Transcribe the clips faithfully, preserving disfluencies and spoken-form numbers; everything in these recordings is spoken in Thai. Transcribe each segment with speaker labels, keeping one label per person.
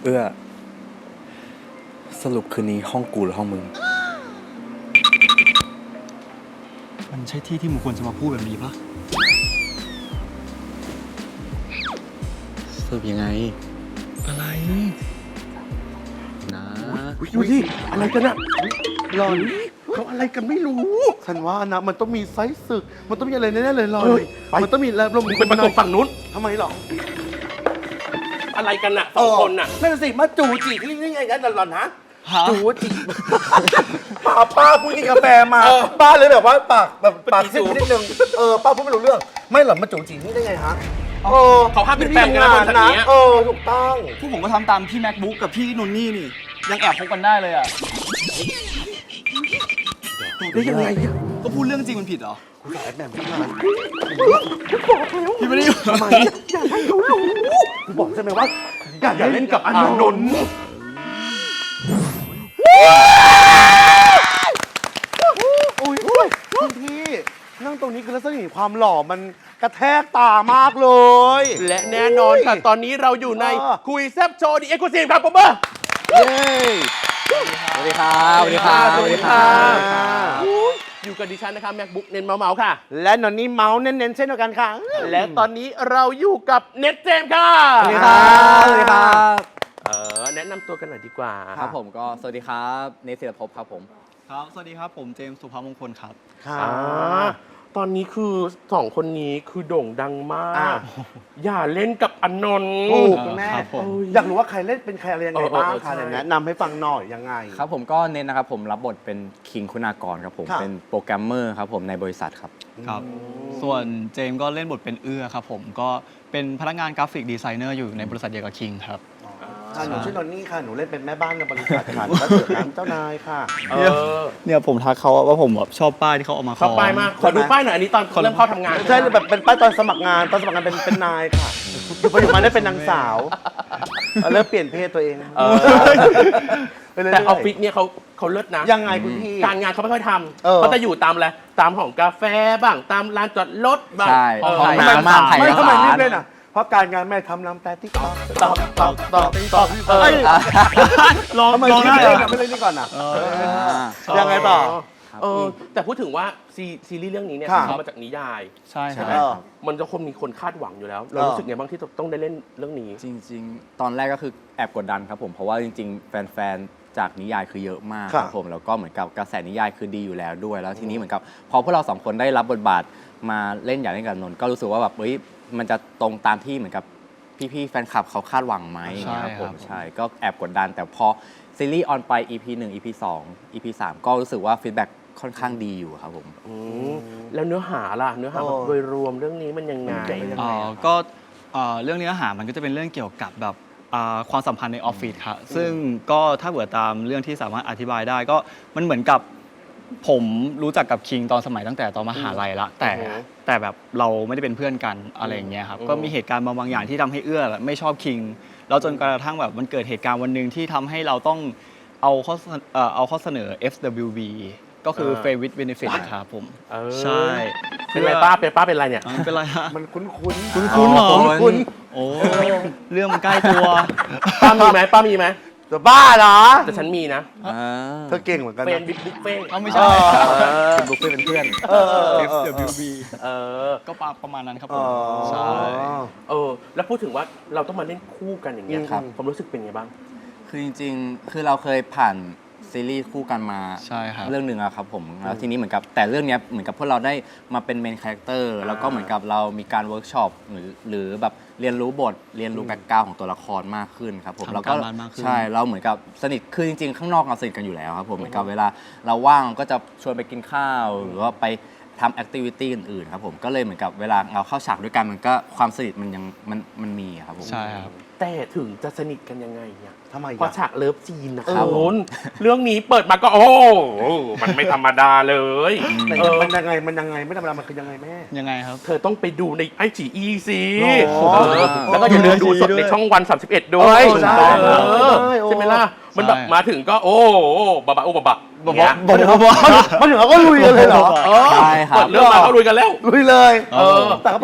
Speaker 1: เอื้อสรุปคืนนี้ห้องกูหรือห้องมึง
Speaker 2: มันใช่ที่ที่มึงควรจะมาพูดแบบนี้ปะ
Speaker 1: สรุปยังไง
Speaker 2: อะไร
Speaker 1: นะ
Speaker 3: ดูดิอะไรกันอะหลอนเขาอะไรกันไม่รู้ฉันว่านะมันต้องมีไซส์ศึกมันต้องมีอะไรแน่ๆเลยหลอนมันต้องมีแล้วลมเป็นประตูฝั่งนู้นทำไมหรอ
Speaker 4: อะไรกันน่ะสองคนน่ะ
Speaker 3: นั่นสิมาจูจีกันยังไงกันหลอนฮะจูจีป้าป้าพูดกินกาแฟมาป้าเลยแบบว่าปากแบบปากซิดนิดนึงเออป้าพูดไม่รู้เรื่องไม่หรอมาจูจีนี่ได้ไงฮะเออ
Speaker 4: เขาห้ามเป็นแฟนกันนะคนแบบนี้
Speaker 3: เออถูกต้อง
Speaker 2: พวกผมก็ทำตามพี่แม็กบุ๊กกับพี่นุนนี่นี่ยังแอบคบกันได้เลยอ่ะ
Speaker 3: ได้ยังไง
Speaker 2: ก็พูดเรื่องจริงมันผิดเหรอ
Speaker 3: กูสายแบบพี่มา
Speaker 2: พี่ไม่ได้อยู่
Speaker 3: ทำไมอย่าให้เขารู้กูบอกใช่ไหมว่าอย่าเล่นกับอานนท์โอ้ยคุณพี่นั่งตรงนี้คือลักษณะความหล่อมันกระแทกตามากเลย
Speaker 4: และแน่นอนค่ะตอนนี้เราอยู่ในคุยแซ่บโชว์ดีเอ็กซ์คลูซีฟครับผมเบอร์
Speaker 3: เย้
Speaker 1: สวัสดีครับสวัสดีครับ
Speaker 4: สวัสดีครับอยู่กับดิฉันนะคะแม็กบุ๊กเน้นเมาเมาค่ะ
Speaker 3: และนนนี่เมาส์เน้นๆเช่นเดียวกันค่ะ
Speaker 4: และตอนนี้เราอยู่กับเน็ตเจมส์ค่ะ
Speaker 1: สวัสดีครับสวัสดีครับ
Speaker 4: เออแนะนำตัวกันหน่อยดีกว่า
Speaker 1: ครับผมก็สวัสดีครับเนทศิรภพครับผม
Speaker 2: ครับสวัสดีครับผมเจมส์สุภามงคลครับ
Speaker 3: ค่ะ
Speaker 4: ตอนนี้คือสองคนนี้คือโด่งดังมากอย่าเล่นกับอานนท์
Speaker 3: ถูกแม่อยากรู้ว่าใครเล่นเป็นใครอะไรยังไงบ้างค่ะแนะนำให้ฟังหน่อยยังไง
Speaker 1: ครับผมก็เน้นนะครับผมรับบทเป็นคิงคุณากรครับผมเป็นโปรแกรมเมอร์ครับผมในบริษัทครับ
Speaker 2: ครับส่วนเจมส์ก็เล่นบทเป็นเอื้อครับผมก็เป็นพนักงานกราฟิกดีไซเนอร์อยู่ในบริษัทเดียวกับคิงครับ
Speaker 3: หนูชื่อนนนี่ค่ะหนูเล่นเป็นแม่บ้านในบริษัทค่ะแล้วเสือน้ำเจ้านายค่ะ
Speaker 2: เนี่ยผมทักเขาว่าผมแบบชอบป้ายที่เขาเอามา
Speaker 4: ชอบป้ายมากขอดูป้ายหน่อยอันนี้ตอนเริ่มเข้าทำงาน
Speaker 3: ใช่แบบเป็นป้ายตอนสมัครงานตอนสมัครงานเป็นเป็นนายค่ะอยู่ไปอยู่มาได้เป็นนางสาวเริ่มเปลี่ยนเพศตัวเอง
Speaker 4: แต่ออฟฟิศเนี่ยเขาเขาเลิศนะ
Speaker 3: ยังไงคุณพี่
Speaker 4: การงานเขาไม่ค่อยทำเขาจะอยู่ตามอะไรตามห้องกาแฟบ้างตามร้านจอดรถบ้าง
Speaker 1: ใช่ห้องน้ำบ้างไข่
Speaker 3: ไม่
Speaker 1: ร้าน
Speaker 3: ทำไมรีบเล่นอ่ะเพราะการงานแม่ทำลำแต่ติ๊กต๊อกต๊อกต๊อกต๊อกต๊อกลองลองได้ไม่เล่นนี่ก่อนอ่ะยังไงต่อ
Speaker 4: เออแต่พูดถึงว่าซีรีส์เรื่องนี้เนี่ยทำมาจากนิยาย
Speaker 2: ใช่
Speaker 4: ใช่ไหมมันจะคงมีคนคาดหวังอยู่แล้วเรารู้สึกไงบ้างที่ต้องได้เล่นเรื่องนี้
Speaker 1: จริงๆตอนแรกก็คือแอบกดดันครับผมเพราะว่าจริงๆแฟนๆจากนิยายคือเยอะมากครับผมแล้วก็เหมือนกับกระแสนิยายคือดีอยู่แล้วด้วยแล้วทีนี้เหมือนกับพอพวกเราสองคนได้รับบทบาทมาเล่นอย่างเล่นกับนนท์ก็รู้สึกว่าแบบเฮ้ยมันจะตรงตามที่เหมือนกับพี่ๆแฟนคลับเขาคาดหวังไหมครับผมใช่ก็แอบกดดันแต่พอซีรีส์ออนไป อี พี หนึ่ง อี พี สอง อี พี สามก็รู้สึกว่าฟีดแบ็กค่อนข้างดีอยู่ครับผม
Speaker 4: แล้วเนื้อหาล่ะเนื้อหาโดยรวมเรื่องนี้มันยังไง
Speaker 2: อ๋อก็เรื่องเนื้อหามันก็จะเป็นเรื่องเกี่ยวกับแบบความสัมพันธ์ในออฟฟิศครับซึ่งก็ถ้าเกิดตามเรื่องที่สามารถอธิบายได้ก็มันเหมือนกับผมรู้จักกับคิงตอนสมัยตั้งแต่ตอนมหาลัยละแต่แต่แบบเราไม่ได้เป็นเพื่อนกันอะไรอย่างเงี้ยครับก็มีเหตุการณ์บางอย่างที่ทำให้เอื้อไม่ชอบคิงแล้วจนกระทั่งแบบมันเกิดเหตุการณ์วันหนึ่งที่ทำให้เราต้องเอาข้อเอาข้อเสนอ เอฟ ดับเบิลยู บี ก็คือ Fair with Benefit ครับผมใช่
Speaker 4: เป็นไรป้าเป็นป้าเป็นไรเนี่ย
Speaker 2: เป็นไรฮะ
Speaker 3: มันคุ้นคุ้น
Speaker 2: คุ้นคุ้นหรอคุ้นโอ้เรื่องมันใกล้ตัว
Speaker 4: ป้ามีไหมป้ามีไหม
Speaker 3: จะบ้าเหรอ
Speaker 4: แต่ฉันมีนะ
Speaker 3: เธอเก่งเหมือนกัน
Speaker 4: เป็นบิ๊กบุ๊กเป้
Speaker 2: เขาไม่ใช่
Speaker 1: บุ๊กเป้เป็นเพื่อน
Speaker 2: เอฟ ดับเบิลยู บี
Speaker 4: เออ
Speaker 2: ก็ประมาณนั้นครับผมใช่
Speaker 4: เออแล้วพูดถึงว่าเราต้องมาเล่นคู่กันอย่างเงี้ยครับผมรู้สึกเป็นไงบ้าง
Speaker 1: คือจริงๆคือเราเคยผ่านซีรีส์คู่กันมาเรื่องหนึ่งอะครับผมแล้วทีนี้เหมือนกับแต่เรื่องนี้เหมือนกับพวกเราได้มาเป็นเมนคาแรคเตอร์แล้วก็เหมือนกับเรามีการเวิร์กช็อปหรือหรือแบบเรียนรู้บทเรียนรู้แบ็คกราวด์ของตัวละครมากขึ้นครับผมแล้วก็ใช่เราเหมือนกับสนิทคือจริงๆข้างนอกเราสนิทกันอยู่แล้วครับผมเหมือนกับเวลาเราว่างก็จะชวนไปกินข้าวหรือว่าไปทำแอคทิวิตี้อื่นๆครับผมก็เลยเหมือนกับเวลาเราเข้าฉากด้วยกันมันก็ความสนิทมันยังมันมันมีครับผม
Speaker 2: ใช่ครับ
Speaker 4: แต่ถึงจะสนิทกันยังไงเนี่ย
Speaker 3: ทำไม
Speaker 4: พอฉากเลิฟซีนนะครับเรื่องนี้เปิดมาก็โอ้มันไม่ธรรมดาเลย
Speaker 3: มันยังไงมันยังไงไม่ธรรมดามันคือยังไงแม่
Speaker 2: ยังไงครับ
Speaker 4: เธอต้องไปดูในไอจีอีสิแล้วก็อย่าลืมดูสดในช่องวันสามสิบเอ็ดด้วยใช่ไหมล่ะมันแบบมาถึงก็โอ้บะบะโอ้บะบะ
Speaker 3: บอกบอกบอกมาถึงเขาก็ลุยกันเลยเหรอ
Speaker 1: ใช่ครับ
Speaker 4: เปิดเรื่องมาเขาลุยกันแล้ว
Speaker 3: ลุยเลยเออแต่เขาบอก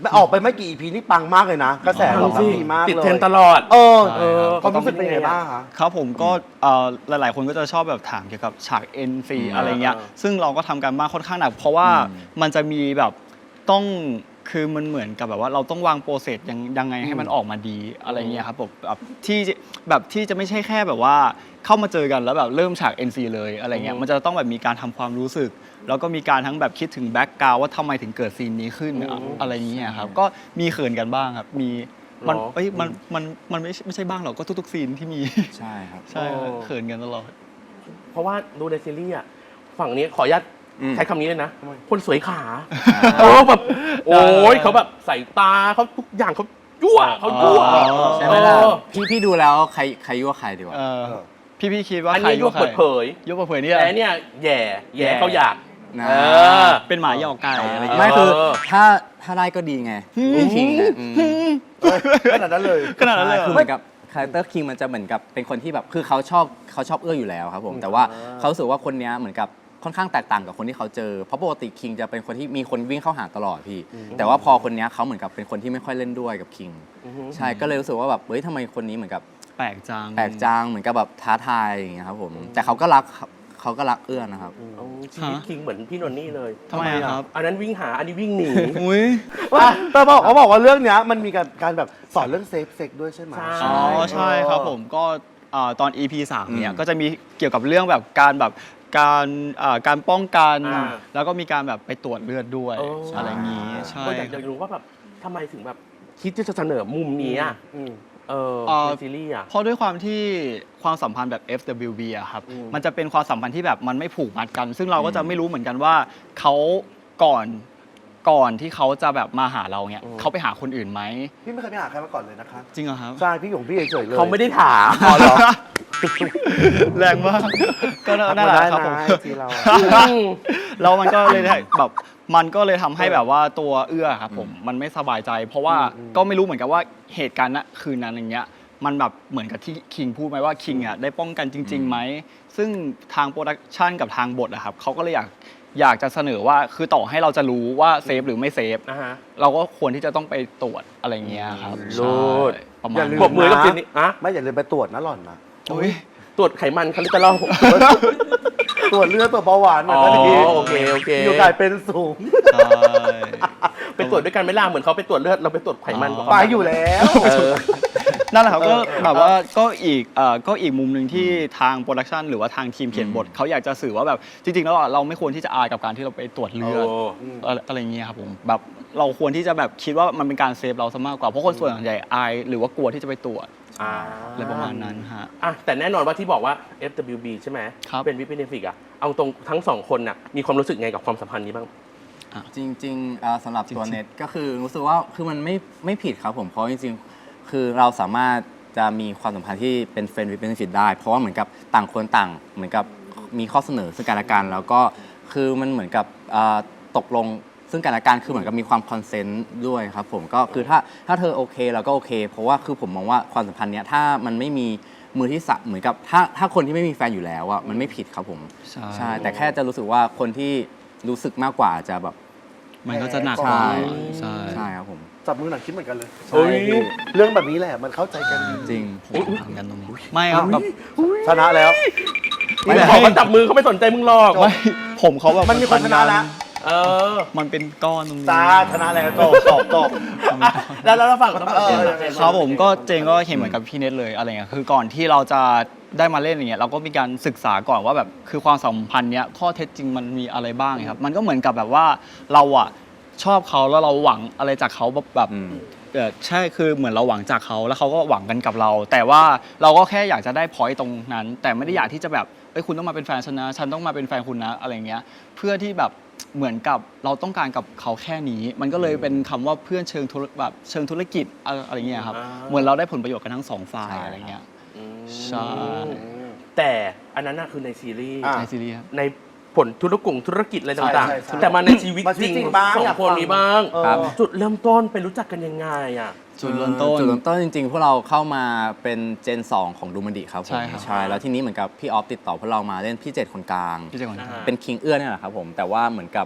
Speaker 3: ออกไปไม่กี่ อี พี นี่ปังมากเลยนะกระแสตอบรับดีมากเลย
Speaker 4: ติดเทรนด์ตลอด
Speaker 3: เออ
Speaker 2: ใช่ครับ
Speaker 3: ความรู้สึกเป็นยังไงบ้างคะ
Speaker 2: ครับผมก็เอ่อหลาย ๆ คนก็จะชอบแบบถามเกี่ยวกับฉาก เอ็น ซี อะไรเงี้ย
Speaker 4: อ่า
Speaker 2: ซึ่งเราก็ทำการบ้านค่อนข้างหนักเพราะว่า
Speaker 1: อืม
Speaker 2: มันจะมีแบบต้องคือมันเหมือนกับแบบว่าเราต้องวางโปรเซสยังยังไงให้มันออกมาดีอะไรเงี้ยครับผมแบบที่แบบที่จะไม่ใช่แค่แบบว่าเข้ามาเจอกันแล้วแบบเริ่มฉาก เอ็น ซี เลยอะไรเงี้ยมันจะต้องแบบมีการทำความรู้สึก แล้วก็มีการทั้งแบบคิดถึงแบ็กกราวว่าทำไมถึงเกิดซีนนี้ขึ้นอะอะไรเงี้ยครับก็มีเขินกันบ้างครับมีมัน
Speaker 4: หรอ
Speaker 2: เอ้ยมันมันมันไม่ไม่ใช่บ้างหรอกก็ทุกๆซีนที่มี
Speaker 1: ใช่ครับ
Speaker 2: ใช่ครับ
Speaker 4: โอ้
Speaker 2: เขินกันตลอด
Speaker 4: เพราะว่าดูในซีรีส์อ่ะฝั่งนี้ขออนุญาต
Speaker 1: อืม
Speaker 4: ใช้คำนี้เลยนะ คนสวยขาเออแบบโอ้ยเขาแบบใส่ตาเขาทุกอย่างเขายั่วเขายั่ว
Speaker 2: อ๋อ
Speaker 1: ใช่ไหมล่ะ
Speaker 4: เออ
Speaker 1: พี่พี่ดูแล้วใครใครยั่วใครดีวะ
Speaker 2: เออพี่พี่คิดว่า
Speaker 4: อัน
Speaker 2: ใคร
Speaker 4: นี้ยั่ว
Speaker 2: ใคร
Speaker 4: เปิดเผย
Speaker 2: ยุบเปิดเผยเนี่ย
Speaker 4: แต่เนี่ยแย่แย่เขาอยาก
Speaker 1: นะ
Speaker 4: เออ
Speaker 2: เป็นหมาหยอกไก่อะไรอย่าง
Speaker 1: ไม่
Speaker 2: เงี้ย
Speaker 1: คือ
Speaker 4: เออ
Speaker 1: ถ้าถ้าได้ก็ดีไงพี่คิงเนี่ยอืม
Speaker 3: ขนาดนั้นเลย
Speaker 2: ขนาดนั้นเลยเหร
Speaker 1: คือ
Speaker 2: อ
Speaker 1: เหมือนกับคาแรคเตอร์คิงมันจะเหมือนกับเป็นคนที่แบบคือเขาชอบเขาชอบเอื้ออยู่แล้วครับผมแต่ว่าเขารู้สึกว่าคนเนี้ยเหมือนกับค่อนข้างแตกต่างกับคนที่เขาเจอเพราะปกติคิงจะเป็นคนที่มีคนวิ่งเข้าหาตลอดพี่ แต่ว่าพอคนเนี้ยเขาเหมือนกับเป็นคนที่ไม่ค่อยเล่นด้วยกับคิงใช่ก็เลยรู้สึกว่าแบบเฮ้ยทำไมคนนี้เหมือนกับ
Speaker 2: แปลกจัง
Speaker 1: แปลกจังเหมือนกับแบบท้าทายอย่างเงี้ยครับผมแต่เขาก็รักเขาก็รักเอื้อนะครับ
Speaker 4: เอาชีวิตคิงเหมือนพี่นนนี่เลย
Speaker 2: ทำไมอะครับ
Speaker 4: อันนั้นวิ่งหาอันนี้วิ่งหนี
Speaker 2: อุ้ย
Speaker 3: ว่าแต่บอกเขาบอกว่าเรื่องเนี้ยมันมีการการแบบสอนเรื่องเซฟเซ็กด้วยใช่ไหม
Speaker 4: ใช่
Speaker 2: อ๋อใช่ครับผมก็อ่าตอน อี พี สามเนี่ย
Speaker 1: อืม
Speaker 2: ก็จะมีเกี่ยวกับเรื่องแบบการแบบการอ่าการป้องกัน
Speaker 4: อ่า
Speaker 2: แล้วก็มีการแบบไปตรวจเลือดด้วย
Speaker 4: โอ้
Speaker 2: อะไรอย่างงี้ใช่
Speaker 4: ก็อยากจะรู้ว่าแบบทำไมถึงแบบคิดที่จะเสนอมุมนี้อ่ะ
Speaker 3: อืม
Speaker 4: เออ
Speaker 2: เอ่อ
Speaker 4: ในซีรีส์อ่ะ
Speaker 2: เพราะด้วยความที่ความสัมพันธ์แบบ เอฟ ดับเบิลยู บี อะครับ มันจะเป็นความสัมพันธ์ที่แบบมันไม่ผูกมัดกัน ซึ่งเราก็จะไม่รู้เหมือนกันว่าเขาก่อนก่อนที่เขาจะแบบมาหาเราเนี่ย
Speaker 4: อืม
Speaker 2: เขาไปหาคนอื่นไหม
Speaker 3: พี่ไม่เคยไปหาใครมาก่อนเลยนะคะ
Speaker 2: จริงเหรอครับ
Speaker 3: ใช่พี่หยงพี่เฉยๆเลย
Speaker 4: เขาไม่ได้ถาม
Speaker 3: อ๋อเหรอ
Speaker 2: แรงมาก ก็น่ารักครับผม
Speaker 3: ทักมาได้นะ ไอจีเราอะ
Speaker 2: แล้วมันก็เลยได้แบบมันก็เลยทำให้แบบว่าตัวเอื้อครับผมมันไม่สบายใจ เพราะว่าก็ไม่รู้เหมือนกันว่าเหตุการณ์ณคืนนั้นอย่างเงี้ยมันแบบเหมือนกับที่คิงพูดไหมว่าคิงอ่ะได้ป้องกันจริงๆไหมซึ่งทางโปรดักชันกับทางบทอะครับเขาก็เลยอยากอยากจะเสนอว่าคือต่อให้เราจะรู้ว่าเซฟหรือไม่เซฟ
Speaker 4: นะฮะ
Speaker 2: เราก็ควรที่จะต้องไปตรวจอะไรเงี้ยครับ
Speaker 4: โลด
Speaker 2: ใช่ประมา
Speaker 3: อย่า
Speaker 2: ณ
Speaker 3: ลื
Speaker 4: ปรบมือกับซีรีส์อะ
Speaker 3: ไม่อย่าลืมไปตรวจนะหล่อนนะ
Speaker 2: อุ๊ย
Speaker 4: ตรวจไขมันคอเลสเตอรอล
Speaker 3: ตรวจเลือดตรวจเบาหวานหน่
Speaker 4: อ๋
Speaker 3: อย
Speaker 4: อ
Speaker 3: ก็ดี
Speaker 4: โอเคโอเค
Speaker 3: อยู่กลายเป็นสูง
Speaker 2: ใช่
Speaker 4: ไปตรวจด้วยกันไหม่ล่ะเหมือนเขาไปตรวจเลือดเราไปตรวจไขมัน
Speaker 2: อ๋อ
Speaker 4: กับ
Speaker 3: ไป
Speaker 4: เขา
Speaker 3: อยู่แล้ว
Speaker 4: เออ
Speaker 2: นั่นแหละครับก็แบบว่าก็อีกเอ่อก็อีกมุมหนึ่งที่ทางโปรดักชันหรือว่าทางทีมเขียนบทเขาอยากจะสื่อว่าแบบจริงๆแล้วอ่ะเราไม่ควรที่จะอายกับการที่เราไปตรวจเลือด
Speaker 4: โอ้
Speaker 2: อะไรอะไรเงี้ยครับผมแบบเราควรที่จะแบบคิดว่ามันเป็นการเซฟเราซะมากกว่าเพราะคนส่วนใหญ่อายหรือว่ากลัวที่จะไปตรวจ
Speaker 4: อ่า
Speaker 2: อะไรประมาณนั้นฮะ
Speaker 4: อ่ะแต่แน่นอนว่าที่บอกว่า เอฟ ดับเบิลยู บี ใช่ไหม
Speaker 2: ครับ
Speaker 4: เป็นวิปเนฟิกอ่ะเอาตรงทั้งสองคนน่ะมีความรู้สึกไงกับความสัมพันธ์นี้บ้าง
Speaker 1: จริงๆเอ่อสำหรับตัวเน็ตก็คือรู้สึกว่าคือมันไม่ไม่ผิดครับผมเพราะจริงๆ คือเราสามารถจะมีความสัมพันธ์ที่เป็นเฟรนด์วิดเบนฟิตได้ เพราะว่าเหมือนกับต่างคนต่างเหมือนกับมีข้อเสนอซึ่งกันและกันแล้วก็คือมันเหมือนกับเอ่อตกลงซึ่งกันและกันคือเหมือนกับมีความคอนเซนต์ด้วยครับผมก็คือถ้าถ้าเธอโอเคเราก็โอเค เพราะว่าคือผมมองว่าความสัมพันธ์เนี้ยถ้ามันไม่มีมือที่สามเหมือนกับถ้าถ้าคนที่ไม่มีแฟนอยู่แล้วอ่ะมันไม่ผิดครับผม
Speaker 2: ใช่
Speaker 1: ใช่แต่แค่จะรู้สึกว่าคนที่รู้สึกมากกว่าอาจจะแบบ
Speaker 2: มันก็จะหนัก
Speaker 1: ใช่
Speaker 2: ใช่
Speaker 1: ใช่ครับผม
Speaker 3: จับมือหนังคิดเหมือนกันเลย
Speaker 1: ใช่พี่
Speaker 3: เรื่องแบบนี้แหละมันเข้าใจกันดี
Speaker 1: จริง
Speaker 2: ผมทำกันตรงนี้ไม่ครับแบบ
Speaker 3: ชนะแล้ว
Speaker 4: ไม่ได้บอกว่าจับมือเขาไม่สนใจมึงหรอก
Speaker 2: ไม่ผมเขาแบบ
Speaker 3: มันมีคนชนะแล้ว
Speaker 4: เออ
Speaker 2: มันเป็นก้อนตรงนี้
Speaker 3: จ้าชนะแล้วจบจบจบ
Speaker 4: อ่ะแล้วแล้วเราฝั่งของทั้งสองคน
Speaker 3: เออ
Speaker 4: เจน
Speaker 2: ครับผมก็เจงก็เห็นเหมือนกับพี่เน็ตเลยอะไรเงี้ยคือก่อนที่เราจะได้มาเล่นอย่างเงี้ยเราก็มีการศึกษาก่อนว่าแบบคือความสัมพันธ์เนี้ยข้อเท็จจริงมันมีอะไรบ้างครับมันก็เหมือนกับแบบว่าเราอะชอบเขาแล้วเราหวังอะไรจากเขาแบบแบบ
Speaker 1: อืม
Speaker 2: เออใช่คือเหมือนเราหวังจากเขาแล้วเขาก็หวังกันกับเรา แต่ว่าเราก็แค่อยากจะได้พอยต์ตรงนั้น แต่ไม่ได้อยากที่จะแบบเอ้ยคุณต้องมาเป็นแฟนฉันนะฉันต้องมาเป็นแฟนคุณนะอะไรเงี้ยเพื่อที่แบบเหมือนกับเราต้องการกับเขาแค่นี้ มันก็เลยเป็นคำว่าเพื่อนเชิงธุรแบบเชิงธุรกิจอะไรเงี้ยครับเหมือนเราได้ผลประโยชน์กันทั้งสองฝ่าย
Speaker 1: ใช่
Speaker 2: อะไรเงี้ย
Speaker 4: อืม
Speaker 2: ใช่
Speaker 4: แต่อันนั้นน่ะคือในซีรีส์
Speaker 3: อ่ะ
Speaker 2: ในซีรีส์ครับ
Speaker 4: ในผลธุรกุ่งธุรกิจอะไรต่าง
Speaker 3: ใช่ใช่
Speaker 4: ๆ แต่มาในชีวิต
Speaker 3: มาชี
Speaker 4: จ
Speaker 3: วิ
Speaker 4: ริ
Speaker 3: ต
Speaker 4: ง
Speaker 3: จริงบ้าง
Speaker 4: สอ
Speaker 3: อง ยาก
Speaker 4: คน
Speaker 3: ฟัง
Speaker 4: นี้บ้าง
Speaker 3: เออ
Speaker 1: ครับ
Speaker 4: จุดเริ่มต้นไปรู้จักกันยังไงอ่ะ
Speaker 2: จุดเริ่มต้น
Speaker 1: จุดเริ่มต้นจริงๆ พวกเราเข้ามาเป็นเจน สอง ของดูมันดิครับผม
Speaker 2: ใช่ครับ
Speaker 1: ใช่แล้วทีนี้เหมือนกับพี่ออฟติดต่อพวกเรามาเล่นพี่เจ็ดคนกลาง
Speaker 2: พี่เจงก่อน
Speaker 4: อ่า
Speaker 1: เป็นคิงเอื้อเนี่ยแหละครับผมแต่ว่าเหมือนกับ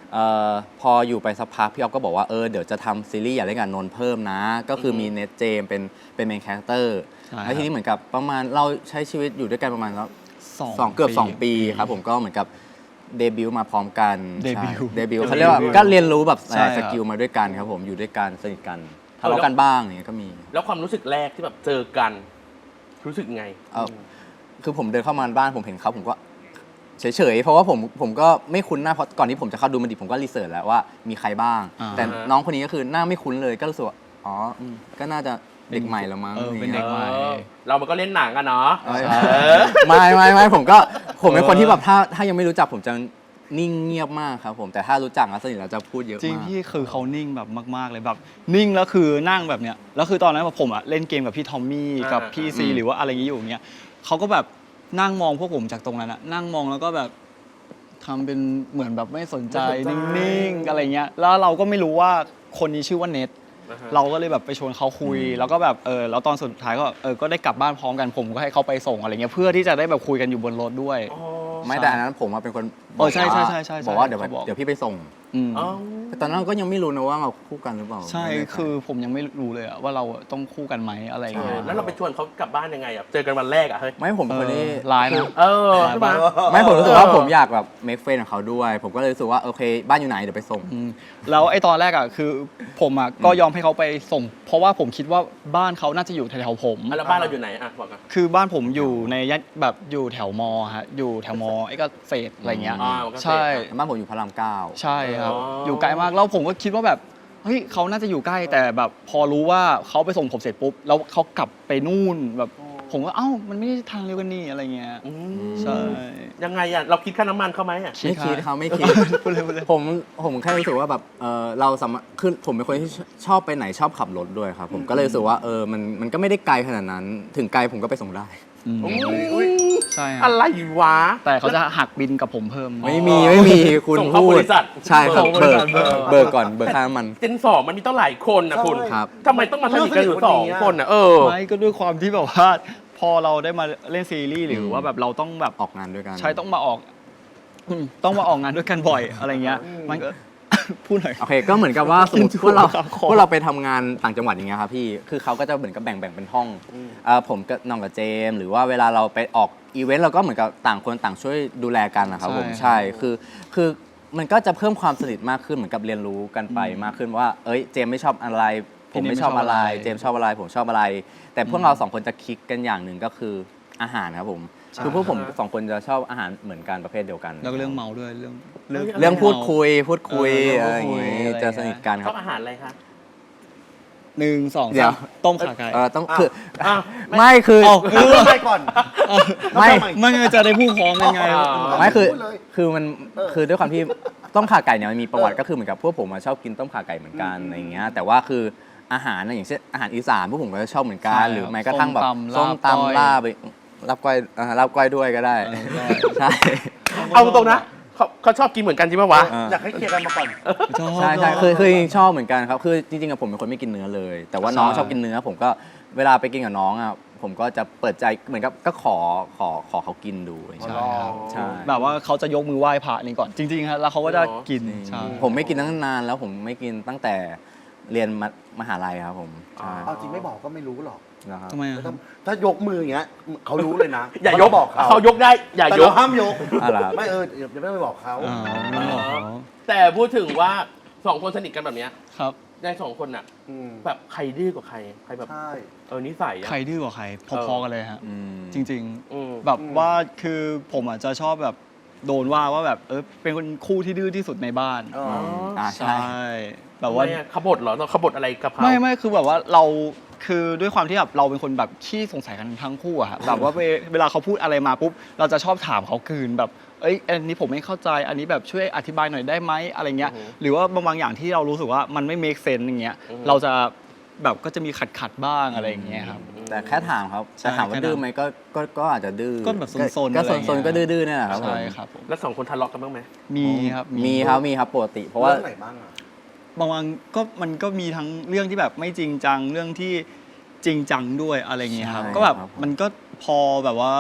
Speaker 1: เอ่อพออยู่ไปสักพักพี่ออฟก็บอกว่าเออเดี๋ยวจะทำซีรีส์อยากเล่นกับนนท์เพิ่มนะ ก็คือมีเนทเจมเป็นเป็นเมนคาแรคเตอร์แล้วทีนี้เหมือนกับประมาณเราใช้ชีวิตอยู่ด้วยกันประมาณแล้วสองเกือบสองปีครับผมก็เหมือนกับเดบิวต์มาพร้อมกัน
Speaker 2: เดบิวต์
Speaker 1: เดบิวต์เขาเรียกว่าก็เรียนรู้แบบ
Speaker 2: ใช่ครับ
Speaker 1: สกิลมาด้วยกันครับผมอยู่ด้วยกันสนิทกันทะเลาะกันบ้างอย่างเงี้ยก็มี
Speaker 4: แล้วความรู้สึกแรกที่แบบเจอกันรู้สึกไง
Speaker 1: เอ่อคือผมเดินเข้ามาบ้านผมเห็นเขาผมก็เฉยๆ เพราะว่าผมผมก็ไม่คุ้นหน้าเพราะก่อนที่ผมจะเข้าดูมันดิผมก็รีเสิร์ชแล้วว่ามีใครบ้าง
Speaker 2: อ่า
Speaker 1: แต่น้องคนนี้ก็คือหน้าไม่คุ้นเลยก็รู้สึกว่าอ๋ออืมก็น่าจะเด็กใหม่แล้วมั้ง
Speaker 2: เออเป็น
Speaker 1: อย่าง
Speaker 2: เด็
Speaker 1: งี้ย
Speaker 2: กใหม่
Speaker 4: เออเรามันก็เล่นหนังกันเนาะ
Speaker 1: เอ้ยไม่ไม่ไม่ผมก็ผมเป็นคนที่แบบถ้าถ้ายังไม่รู้จักผมจะนิ่งเงียบมากครับผมแต่ถ้ารู้จักแล้วสนิทแล้วจะพูดเยอะ
Speaker 2: จริง
Speaker 1: มาก
Speaker 2: พี่คือเขานิ่งแบบมาก ๆ เลยแบบนิ่งแล้วคือนั่งแบบเนี้ยแล้วคือตอนนั้นแบบผมอะเล่นเกมกับพี่ทอมมี่กับพี่ซีหรือว่าอะไรอย่างงี้อยู่อย่างเงี้ยเขาก็แบบนั่งมองพวกผมจากตรงนั้นอะนั่งมองแล้วก็แบบทำเป็นเหมือนแบบไม่สนใจนิ่ง ๆ อะไรเงี้ยแล้วเราก็ไม่รู้ว่าคนนี้ชื่อว่าเน็ตเราก็เลยแบบไปชวนเขาคุย แล้วก็แบบเออแล้วตอนสุดท้ายก็เออก็ได้กลับบ้านพร้อมกันผมก็ให้เขาไปส่งอะไรเงี้ยเพื่อที่จะได้แบบคุยกันอยู่บนรถด้วย
Speaker 1: ไม่แต่อันนั้นผมอะเป็นคน
Speaker 2: เออใช่ใช่ใช่ใช่
Speaker 1: บอกว่าเดี๋ยว
Speaker 2: เขาบอก
Speaker 1: เดี๋ยวพี่ไปส่ง
Speaker 2: อืม
Speaker 4: อ๋อ
Speaker 1: แต่ตอนนั้นก็ยังไม่รู้นะว่าเราคู่กันหรือเปล่า
Speaker 2: ใช่
Speaker 1: ไม่แน่ใจ
Speaker 2: คือผมยังไม่รู้เลยอะว่าเราต้องคู่กันไหมอะไรอย่างเงี้ย
Speaker 4: แล้วเราไปชวนเขากลับบ้านยังไงอ่ะเจอกันวันแรกอ่ะเฮ้ย
Speaker 1: ไม่ผมเป็นคนที่
Speaker 2: เออไลน์นะ
Speaker 4: เออใช่ไหม
Speaker 1: ไม่ผมรู้สึกว่า
Speaker 4: เออ
Speaker 1: ผมอยากแบบ make friend กับเขาด้วย ผมก็เลยรู้สึกว่าโอเค บ้านอยู่ไหนเดี๋ยวไปส่ง
Speaker 2: อืมแล้วไอ้ตอนแรกอ่ะคือผมอ่ะก็ยอมให้เขาไปส่ง เพราะว่าผมคิดว่าบ้านเขาน่าจะอยู่แถวๆผม
Speaker 4: อ่ะแล้วบ้านเราอยู่ไหนอ่ะบอกกัน
Speaker 2: คือบ้านผมอยู่ในย่านแบบอยู่แถวมอฮะอยู่แถวมอไอ้ก็เศษอะไรเงี้ย
Speaker 4: อ่ามันก็เศษ
Speaker 2: ใช่
Speaker 1: บ้านผมอยู่พระรามเก้า
Speaker 2: ใช่ครับ
Speaker 4: อ๋อ
Speaker 2: อ
Speaker 4: อ
Speaker 2: ยู่ไกลมากแล้วผมก็คิดว่าแบบเฮ้ยเขาน่าจะอยู่ใกล้แต่แบบพอรู้ว่าเขาไปส่งผมเสร็จปุ๊บแล้วเขากลับไปนู่นแบบผมก็เอ้ามันไม่ได้ทางเดียวกันนี่อะไรเงี้ย
Speaker 4: อืม
Speaker 2: ใช่
Speaker 4: ยังไงอ่ะเราคิดค่าน้ำมันเขาไหมอ่ะ
Speaker 1: ไม่คิดเขาไม่คิด
Speaker 2: พูดเลยพูดเลย
Speaker 1: ผมผมแค่รู้สึกว่าแบบเออเราสามารถคือผมเป็นคนที่ชอบไปไหนชอบขับรถด้วยครับ ผมก็เลยรู้สึกว่าเออมันมันก็ไม่ได้ไกลขนาดนั้น ถึงไกลผมก็ไปส่งได้
Speaker 2: อืม
Speaker 4: อุ๊ย
Speaker 2: ใช่ค
Speaker 4: อะ
Speaker 2: รับ
Speaker 4: ไรวะ
Speaker 2: แต่เขาจะหักบินกับผมเพิ่ม
Speaker 1: ไม่มีไม่มีคุณ
Speaker 4: ส่งเข้า
Speaker 1: พู
Speaker 4: บ
Speaker 1: ด
Speaker 4: ริษัท
Speaker 1: ใช่ครับ
Speaker 2: ส่งบ
Speaker 1: เบิ
Speaker 2: ริ
Speaker 1: ก
Speaker 2: ษัทเบิก
Speaker 1: เบิกก่อนเบิกค่าน้ำมัน
Speaker 4: เจนสองมันมีต้องหลายคนนะคุณ
Speaker 1: ครับ
Speaker 4: ทำไมต้องมาสนิทกันอยู่สองคนอ่ะเออ
Speaker 2: ไม่ก็ด้วยความที่แบบว่าพอเราได้มาเล่นซีรีส์หรือว่าแบบเราต้องแบบ
Speaker 1: ออกงานด้วยกัน
Speaker 2: ใช่ต้องมาออกอืมต้องมาออกงานด้วยกันบ่อยอะไรเงี้ยมันก็ พูดหน่อย
Speaker 1: โอเคก็เหมือนกับว่าสมมติ
Speaker 2: กิน
Speaker 1: พวกเรา
Speaker 2: ครับ
Speaker 1: พวกเราไปทำงานต่างจังหวัดอย่างเงี้ยครับพี่คือเขาก็จะเหมือนกับแบ่งแบ่งเป็นห้องอ่าผมกับน้องกับเจมส์หรือว่าเวลาเราไปออกอีเวนต์เราก็เหมือนกับต่างคนต่างช่วยดูแลกันนะครับผมใช่คือคือมันก็จะเพิ่มความสนิทมากขึ้นเหมือนกับเรียนรู้กันไปมากขึ้นว่าเอ้ยเจมส์ไม่ชอบอะไร ผมไม่ชอบอะไร เจมส์ชอบอะไรผมชอบอะไร แต่พวกเราสองคนจะคลิกกันอย่างหนึ่งก็คืออาหารครับผมคือพวกผมสองคนจะชอบอาหารเหมือนกันประเภทเดียวกัน
Speaker 2: แล้วก็เรื่องเมาด้วยเรื่อง
Speaker 1: เรื่องพูดคุยพูดคุย
Speaker 2: เออ
Speaker 1: อะไรอย่าง
Speaker 2: เรื่องพูดคุย
Speaker 1: งี้
Speaker 2: อะไร
Speaker 1: จะสนิทกัน
Speaker 4: ช
Speaker 1: ครั
Speaker 4: อบบ อาหารอะไรคะ
Speaker 2: หนึ่งสอง
Speaker 1: เดี๋
Speaker 2: สา
Speaker 1: ยว
Speaker 2: มต้มขาไก่
Speaker 1: เออต้องคือ
Speaker 4: อ้าว
Speaker 1: ไม่คือ
Speaker 2: เอา
Speaker 3: เออไปก่อน
Speaker 1: ไม่
Speaker 2: ไม่งั้นจะได้พูดพร้อมยังไง
Speaker 4: อ๋อ
Speaker 1: ไม่คือ
Speaker 3: พูดเลย
Speaker 1: คือมันคือด้วยความที่ต้มข่าไก่เนี่ยมันมีประวัติก็คือเหมือนกับพวกผมอะชอบกินต้มข่าไก่เหมือนกันอะไรอย่างเงี้ยแต่ว่าคืออาหารนะอย่างเช่นอาหารอีสานพวกผมก็ชอบเหมือนกัน
Speaker 2: ใช่
Speaker 1: หรือแม้กระทั่งแบบ
Speaker 2: ส้
Speaker 1: ส้
Speaker 2: ม
Speaker 1: ม
Speaker 2: ตำลาบก้อย
Speaker 1: ตำลาบไปลาบก้อยอ่าลาบก้อยด้วยก็ได้
Speaker 2: เออได้
Speaker 1: ใช่
Speaker 4: เอาตรงๆนะเขาเขาชอบกินเหมือนกันจริงป่าวะ
Speaker 1: เออ
Speaker 3: อยากให้เคลียร์กันมาก่อน
Speaker 2: ชอบ
Speaker 1: ใช่ใช่คือคือจริงๆชอบเหมือนกันครับคือจริงๆอะผมเป็นคนไม่กินเนื้อเลย แต่ว่าน้อง
Speaker 2: ใช่
Speaker 1: ชอบกินเนื้อ ผมก็เวลาไปกินกับน้องอ่ะผมก็จะเปิดใจเหมือนกับก็ขอขอขอเขากินดูอะไรอย่าง
Speaker 2: ใช่
Speaker 1: เงี้ย
Speaker 2: ครับ
Speaker 1: ใช่
Speaker 2: แบบว่าเขาจะยกมือไหว้พระนี่ก่อนจริงๆครับแล้วเขาก็จะกินใช่
Speaker 1: ผมไม่กินตั้งนานแล้วผมไม่กินตั้งแต่เรียนมมหาลัยครับผมใช่
Speaker 3: เอาจริงไม่บอกก็ไม่รู้หรอก
Speaker 1: นะครับ
Speaker 2: ทำไมอะ
Speaker 3: ถ้าถ้ายกมืออย่างเงี้ยเขารู้เลยนะ
Speaker 4: อย่ายก
Speaker 3: เรบอกเขา
Speaker 4: เขายกได้อย่า
Speaker 3: แต่
Speaker 4: ย
Speaker 3: เรา
Speaker 4: ก
Speaker 3: ห้ามยก
Speaker 1: อะไรครับ
Speaker 3: ไม่เอออย่าอย่าไม่ไปบอกเขา
Speaker 2: อ๋อไม่บอกเขา
Speaker 4: แต่พูดถึงว่าสองคนสนิทกันแบบเนี้ย
Speaker 2: ครับ
Speaker 4: ในสองคนอ่ะ
Speaker 3: อืม
Speaker 4: แบบใครดื้อกว่าใครใครแบบ
Speaker 3: ใช่
Speaker 4: เออนิสัยอะ
Speaker 2: ใครดื้อกว่าใครพอๆกันเลยฮะ
Speaker 1: อืม
Speaker 2: จริง
Speaker 4: อืม
Speaker 2: ๆ แบบว่าคือผมอาจจะชอบแบบโดนว่าว่าแบบเออเป็นคนคู่ที่ดื้อที่สุดในบ้าน
Speaker 3: อ๋อ
Speaker 1: อ่า
Speaker 2: ใช่
Speaker 1: ใช่
Speaker 2: แบบว่า
Speaker 4: ทำไมอะขบฏเหรอเราขบฏอะไรกับเขา
Speaker 2: ไม่ไม่คือแบบว่าเราคือด้วยความที่แบบเราเป็นคนแบบขี้สงสัยกันทั้งคู่อะฮะแบบว่าเวเวลาเขาพูดอะไรมาปุ๊บเราจะชอบถามเขาคืนแบบเอ้ยอันนี้ผมไม่เข้าใจอันนี้แบบช่วยอธิบายหน่อยได้ไหมอะไรเงี้ยหรือว่าบางบางอย่างที่เรารู้สึกว่ามันไม่ make sense อย่างเงี้ยเราจะแบบก็จะมีขัดขัดๆบ้างอะไรอย่างเงี้ยครับ
Speaker 1: แต่แค่ถามครับ
Speaker 2: ใช่
Speaker 1: แต่ถามว่า
Speaker 2: แค่นั้น
Speaker 1: ดื้อไหมก็ก็ก็อาจจะดื้อ
Speaker 2: ก็แบบซนๆ
Speaker 1: ก็
Speaker 2: อะไร
Speaker 1: ซ
Speaker 2: เงี้
Speaker 1: น
Speaker 2: ย
Speaker 1: ๆก็ดื้อๆเนี่ยแหละครับผม
Speaker 2: ใช่ครับผม
Speaker 4: แล้วสองคนทะเลาะกันบ้างไหม
Speaker 2: มีครับ
Speaker 1: มีครับมีครับปกติ เพราะว่า
Speaker 3: เรื่องไหนบ้างอะ
Speaker 2: บางวันก็มันก็มีทั้งเรื่องที่แบบไม่จริงจังเรื่องที่จริงจังด้วยอะไรเงี้ยครับ
Speaker 1: ใช่
Speaker 2: ก็แบบ
Speaker 1: ครับผม
Speaker 2: มันก็พอแบบว่า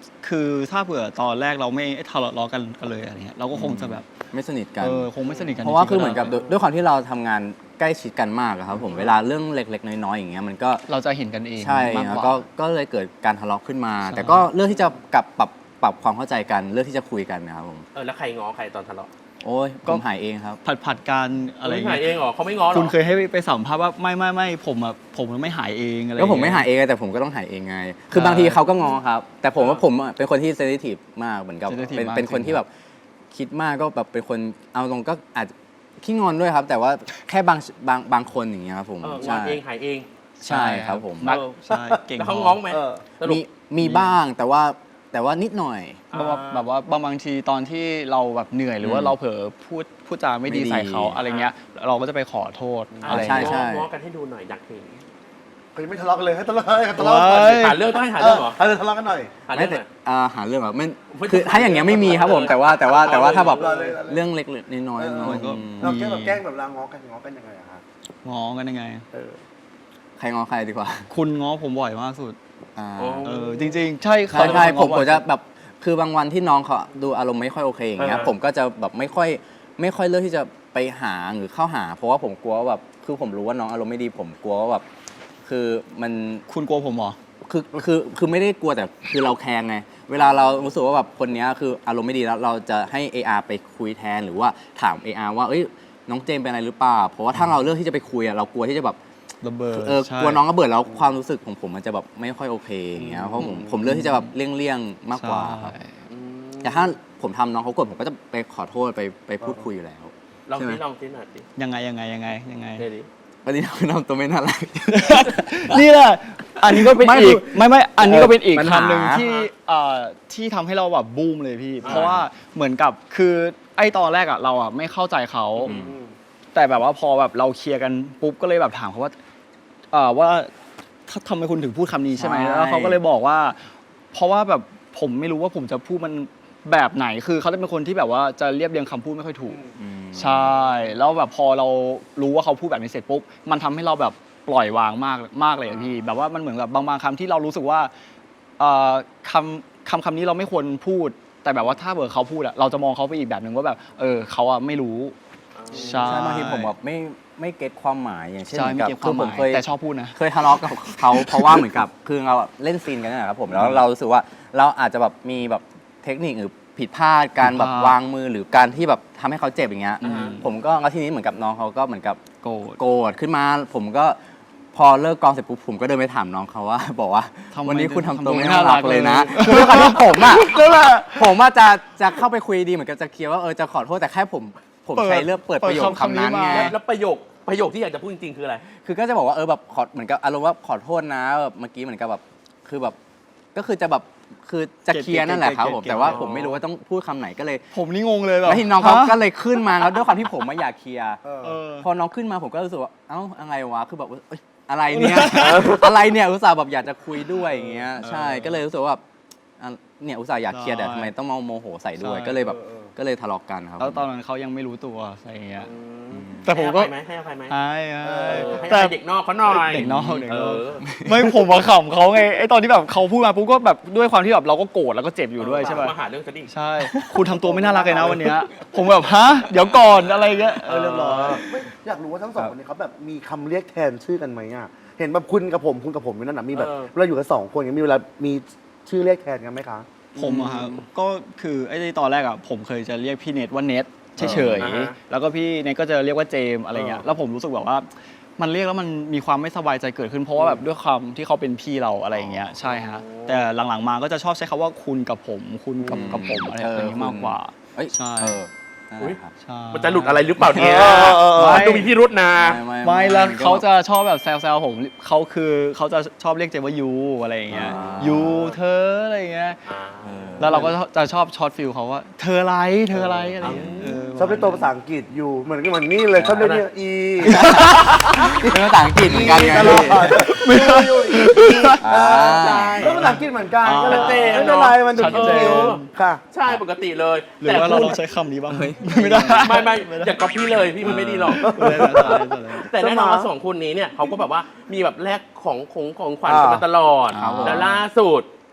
Speaker 2: คือถ้าเผื่อตอนแรกเราไม่ทะเลาะกันกันเลยอะไรเงี้ยเราก็คงจะแบบ
Speaker 1: ไม่สนิทกัน
Speaker 2: เออคงไม่สนิทกัน
Speaker 1: เพราะว่า
Speaker 2: จงๆ
Speaker 1: คือเหมือนกับ
Speaker 2: ก็
Speaker 1: ด้วยด้วยความที่เราทำงานใกล้ชิดกันมากอะครับผมเวลาเรื่องเล็กๆน้อยๆอย่างเงี้ยมันก็
Speaker 2: เราจะเห็นกันเอง
Speaker 1: ใช่
Speaker 2: มาก
Speaker 1: แล้ว
Speaker 2: กว่า
Speaker 1: ก็ก็เลยเกิดการทะเลาะขึ้นมา
Speaker 2: ใช่
Speaker 1: แต่ก็เลือกที่จะกลับปรับปรับความเข้าใจกันเลือกที่จะคุยกันนะครับผม
Speaker 4: เออแล้วใครง้อใครตอนทะเลาะ
Speaker 1: โอ้ยผมหายเองครับ
Speaker 2: ผัดผัดกันอะไร
Speaker 4: ไม่
Speaker 2: เงี้
Speaker 4: หาย
Speaker 2: ย
Speaker 4: เองเหรอเขาไม่ง้อหรอ
Speaker 2: คุณเคยให้ไปสัมภาษณ์ว่าไม่ไม่ไม่ผมอะผมมันไม่หายเองอะไร
Speaker 1: ก็ผมไม่
Speaker 2: เงี้
Speaker 1: หายเองแต่ผมก็ต้องหายเองไง คือบางทีเขาก็งอครับ แต่ผมว่าผมอะเป็นคนที่เซนซิทีฟมากเหมือนกับ
Speaker 2: sensitive
Speaker 1: เป็น
Speaker 2: มาก
Speaker 1: เป็นคน
Speaker 2: จริง
Speaker 1: ที่แบบคิดมากก็แบบเป็นคนเอาตรงก็อาจจะขี้งอนด้วยครับ แต่ว่าแค่บางบางบางคนอย่างเงี้ยครับผม
Speaker 4: เอองอ
Speaker 1: ใช่
Speaker 4: นเองหายเอง
Speaker 1: ใช่ครับผม
Speaker 4: เออ
Speaker 2: ใช่เก่ง
Speaker 4: แล้วเขา
Speaker 2: พ
Speaker 4: ง้องไหม
Speaker 3: เออ
Speaker 4: สรุป
Speaker 1: มีมีบ้างแต่ว่าแต่ว่านิดหน่อย
Speaker 2: แบบว่าแบบว่าบางบางทีตอนที่เราแบบเหนื่อยหรือว่า
Speaker 1: อืม
Speaker 2: เราเผลอพูดพูดจาไม่ดี
Speaker 1: ไม่ดี
Speaker 2: ใส่เขาอะไรเงี้ยเราก็จะไปขอโทษ
Speaker 4: อ่า
Speaker 2: อะไร
Speaker 1: ใช่
Speaker 2: เงี้ย
Speaker 1: ใช่
Speaker 4: ง้อกันให้ดูหน่อยอยากเห็น
Speaker 3: เขายังไม่ทะเลาะกันเลยให้ทะเลาะให้ทะเลาะกัน
Speaker 2: เฮ้ย
Speaker 4: หาเรื่องต้องให้หา
Speaker 3: เอ
Speaker 4: เรื่อ
Speaker 3: อง
Speaker 4: เหรอ
Speaker 3: ให้ทะเลาะกันหน่อย
Speaker 4: หา
Speaker 1: ไม่
Speaker 4: เรื่องห
Speaker 1: แต่
Speaker 4: น่อย
Speaker 1: อ่าหาเรื่องแบบไม่
Speaker 4: ไม่
Speaker 1: คือถ้าอย่างเงี้ยไม่มีครับผม แต่ว่าแต่ว่าแต่ว่าถ้าแบบ
Speaker 3: เอาเลยเอาเลย
Speaker 1: เรื่องเล็กๆน้อยๆน้อยๆ
Speaker 2: ก็
Speaker 1: อืม
Speaker 3: เราแกล้งแบบแกล้งแบบเราง้อกันง้อกันยังไงอะฮะ
Speaker 2: ง้อกันยังไง
Speaker 3: เออ
Speaker 1: ใครงอใครดีกว่า
Speaker 2: คุณง้อผมบ่อยมากสุด
Speaker 1: อ่า
Speaker 4: โอ้
Speaker 2: เออจริง ๆ ใช่
Speaker 1: ใช่ใช่
Speaker 2: เขา
Speaker 1: ผม
Speaker 2: ง้อ
Speaker 1: ผม
Speaker 2: บ่อย
Speaker 1: จะแบบคือบางวันที่น้องเขาดูอารมณ์ไม่ค่อยโอเคอย่างเงี้ย
Speaker 4: เออ
Speaker 1: ผมก็จะแบบไม่ค่อยไม่ค่อยเลือกที่จะไปหาหรือเข้าหา เพราะว่าผมกลัวว่าแบบคือผมรู้ว่าน้องอารมณ์ไม่ดีผมกลัวว่าแบบคือมัน
Speaker 2: คุณกลัวผมเหรอ
Speaker 1: คือคือคือไม่ได้กลัวแต่คือเราแคร์ไงเวลาเรารู้สึกว่าแบบคนเนี้ยคืออารมณ์ไม่ดีแล้วเราจะให้ เอ อาร์ ไปคุยแทนหรือว่าถาม เอ อาร์ ว่าเอ้ยน้องเจมส์เป็นอะไรหรือเปล่าเพราะว่าถ้าเราเลือกที่จะไปคุยอะเรากลัวที่จะแบบ
Speaker 2: ระเบิด
Speaker 1: เออ
Speaker 2: ใช่
Speaker 1: กลัวน้องระเบิดแล้วความรู้สึกของผมมันจะแบบไม่ค่อยโอเคอย่างเงี้ยเพราะผมผมเลือกที่จะแบบเลี่ยงๆมากกว่าครับ
Speaker 2: ใช่
Speaker 1: แต่ถ้าผมทำน้องเขากดผมก็จะไปขอโทษไปไปพูดคุยอยู่แล้ว
Speaker 4: ลอง
Speaker 1: ใช่ไหม
Speaker 4: สิลองสิหน่อยสิ
Speaker 2: ยังไงยังไงยังไงยังไง
Speaker 4: เดี๋ยวดิ
Speaker 1: วันนี้เราทำตัวไม่น่ารัก
Speaker 2: นี่แหละอันนี้ก็เป็น
Speaker 1: ไม่
Speaker 2: อี
Speaker 1: คื
Speaker 2: ก
Speaker 1: อ
Speaker 2: ไม่ไม่อันนี้ก็เป็นอีก
Speaker 1: ปัญหา
Speaker 2: คำหนึ่งที่เอ่อที่ทำให้เราแบบบูมเลยพี่ เพราะว่าเหมือนกับคือไอ้ตอนแรกอะเราอะไม่เข้าใจเขา
Speaker 1: อืม
Speaker 2: แต่แบบว่าพอแบบเราเคลียร์กันปุ๊บก็เลยแบบถามเขาว่าเอ่อว่าถ้าทำไมคุณถึงพูดคำนี้ใช่ไหม
Speaker 1: ใช่
Speaker 2: แล้วเขาก็เลยบอกว่า เพราะว่าแบบผมไม่รู้ว่าผมจะพูดมันแบบไหนคือเขาจะเป็นคนที่แบบว่าจะเรียบเรียงคำพูดไม่ค่อยถูก
Speaker 1: อืม
Speaker 2: ใช่ แล้วแบบพอเรารู้ว่าเขาพูดแบบนี้เสร็จปุ๊บ มันทำให้เราแบบปล่อยวางมากมากเลยอะพี่ แบบว่ามันเหมือนกับบางบางคำที่เรารู้สึกว่าเอ่อคำคำคำนี้เราไม่ควรพูด แต่แบบว่าถ้าเกิดเขาพูดอะเราจะมองเขาไปอีกแบบหนึ่งว่าแบบ เออเขาอะไม่รู้ ใช่
Speaker 1: ใช่บางทีผมแบบไม่ไม่เก็ตความหมายอย่างเช่น
Speaker 2: ใช่
Speaker 1: เหมือน
Speaker 2: ไม่
Speaker 1: กับ
Speaker 2: เก็บค
Speaker 1: คื
Speaker 2: วา
Speaker 1: อ
Speaker 2: มห
Speaker 1: ผม
Speaker 2: มาย
Speaker 1: เคย
Speaker 2: แต่ชอบพูดนะ
Speaker 1: เคยทะเลาะกับเขา เพราะว่าเหมือนกับคือเราอะเล่นซีนกันนะครับผมแล้วเรารู้สึกว่าเราอาจจะแบบมีแบบเทคนิคหรือผิดพลาดการแบบ
Speaker 2: ผิดพลาด
Speaker 1: วางมือหรือการที่แบบทำให้เขาเจ็บอย่างเงี้ย
Speaker 2: อืม
Speaker 1: ผมก็แล้วทีนี้เหมือนกับน้องเขาก็เหมือนกับ
Speaker 2: โกรธ
Speaker 1: โกรธขึ้นมา ผมก็พอเลิกกองเสร็จปุ๊บผมก็เดินไปถามน้องเขาว่า บอกว่า
Speaker 2: ทำไม
Speaker 1: วันนี้คุณทำตัว
Speaker 2: ทำตัว
Speaker 1: ไม่
Speaker 2: ไม่
Speaker 1: น่า
Speaker 2: น่ารั
Speaker 1: รั
Speaker 2: ก
Speaker 1: กเลยนะ
Speaker 2: เลย
Speaker 1: คือด้วยความที่ผมอะผมว่าจะจะเข้าไปคุยดีเหมือนกับจะเคลียร์ว่าเออจะขอโทษแต่แค่ผมผมใช้เลือกเปิดประโยคคำนั้นไง
Speaker 4: แล้วแล้วประโยคประโยคที่อยากจะพูดจริงๆคืออะไร
Speaker 1: คือก็จะบอกว่าเออแบบขอเหมือนกับอารมณ์ว่าขอโทษนะแบบเมื่อกี้เหมือนกับแบบคือแบบก็คือจะแบบคือจะเคลียร์นั่นแหละครับผม
Speaker 2: เก็ตเก็ตเก็ต
Speaker 1: แต่ว่าผมไม่รู้ว่าต้องพูดคำไหนก็เลย
Speaker 2: ผมนี่งงเลยแบบ
Speaker 1: แล้วทีน้องเขา
Speaker 2: ฮะ
Speaker 1: ก็เลยขึ้นมาแล้วด้วยความที่ผมไม่อยากเคลียร์
Speaker 3: เออ
Speaker 2: เออ
Speaker 1: พอน้องขึ้นมาผมก็รู้สึกว่าเอ้าอะไรวะคือแบบว่าเอ้ยอะไรเนี่ย อะไรเนี่ยอุตส่าห์แบบอยากจะคุยด้วยอย่างเงี้ยใช่ก็เลยรู้สึกว่าแบบอ่ะเนี่ยอุตส่าห์อยากเคลียร์แต่ทำไมต้องมาโมโหใส่ด้วย
Speaker 2: ใช่
Speaker 1: ก็เลยแบบ
Speaker 3: เออเออ
Speaker 1: ก็เลยทะเลาะกันครับ
Speaker 2: แล้วตอนนั้นเขายังไม่รู้ตัวอะไรอย่างเงี้ย แต่ผมก็
Speaker 4: ให้อภัยไหม
Speaker 2: ใช่
Speaker 4: ให้
Speaker 2: ใช่
Speaker 4: อภัยไหมเออให้อ
Speaker 2: แต่
Speaker 4: ภัยเด็กนอกเขาหน่อย
Speaker 2: เด็กนอกเด็กนอก
Speaker 4: เออ
Speaker 2: ไม่ผมมาขำเขาไงไอ้ตอนที่แบบเขาพูดมาปุ๊บก็แบบด้วยความที่แบบเราก็โกรธแล้วก็เจ็บอยู่ด้วยใช่ป่ะ
Speaker 4: มาหาเรื่องจะดิ
Speaker 2: ใช่ คุณทำตัวไม่น่ารักเลยนะวันเนี้ยผมแบบฮะเดี๋ยวก่อนอะไรเงี้ยเออเรียบร้อย
Speaker 3: ไม่อยากรู้ว่าทั้งสองคนนี้เขาแบบมีคำเรียกแทนชื่อกันไหมอ่ะเห็นแบบคุณกับผมคุณกับผมนั่นน่ะมีแบบเวลาอยู่กันสองคนอย่างมีเวลามีชื่อเรียกแทนกันไหมคะ
Speaker 2: ผมอะครับก็คือไอ้ตอนแรกอะผมเคยจะเรียกพี่เนทว่าเนทเฉย
Speaker 4: อ่าฮะ
Speaker 2: ๆแล้วก็พี่เนทก็จะเรียกว่าเจมส์อะไรเงี้ยแล้วผมรู้สึกแบบว่ามันเรียกแล้วมันมีความไม่สบายใจเกิดขึ้นเพราะว่าแบบด้วยความที่เขาเป็นพี่เราอะไรอย่างเงี้ยใช่ฮะแต่หลังๆมาก็จะชอบใช้คำว่าคุณกับผมคุณกับกับผมอะไรแบบนี้มากกว่า
Speaker 1: เอ้ย
Speaker 2: ใช่
Speaker 1: เออนั่นแหละครับ
Speaker 2: ใช่
Speaker 4: มันจะหลุดอะไรหรือเปล่าเนี่ย
Speaker 3: เออเออเออ
Speaker 4: มันดูมีพิรุษนะ
Speaker 2: ไม่แล้วเขาจะชอบแบบแซวๆผมเขาคือเขาจะชอบเรียกเจมว่ายูอะไรอย่างเงี้ยยูเธออะไรอย่างเงี้ย
Speaker 1: เออ
Speaker 2: แล้วเราก็จะชอบช็อตฟิลเขาว่าเธออะไรเธออะไรอะไรอย่างเงี้ยเ
Speaker 3: ชอบเรียกตัวภาษาอังกฤษอยู่เหมือนกันเหมือนนี่เลยชอบเรียกเนี่ยอี
Speaker 1: เป็นภาษาอังกฤษเหมือนกันไง
Speaker 3: ตลอด
Speaker 2: ไม่ได้
Speaker 3: อยู่อี
Speaker 1: อ่า
Speaker 3: แล้วภาษาอังกฤษเหมือนกัน
Speaker 2: อ่า
Speaker 3: ก็เลย
Speaker 4: เจน
Speaker 3: ไม่เป็นไรมันดู
Speaker 2: ชัดเจน
Speaker 3: คิ้วค่ะ
Speaker 4: ใช่ปกติเลย
Speaker 2: หรือ
Speaker 4: แต่
Speaker 2: ว่าเรา
Speaker 4: คุณ
Speaker 2: ลองใช้คำนี้บ้าง
Speaker 1: เฮ้ย
Speaker 2: ไม่ได้
Speaker 4: ไม่ไม่อย่าก๊อปพี่เลยพี่มันไม่ดีหรอก
Speaker 2: ไม่ได้ไม่ได้ไม่ได้
Speaker 4: แต่แน่นอน
Speaker 3: สมา
Speaker 4: ว่าสองคนนี้เนี่ยเขาก็แบบว่ามีแบบแลกของของของขวัญ
Speaker 3: อ่า
Speaker 4: กันมาตลอด
Speaker 1: ครับผม
Speaker 4: แล้วล่าสุด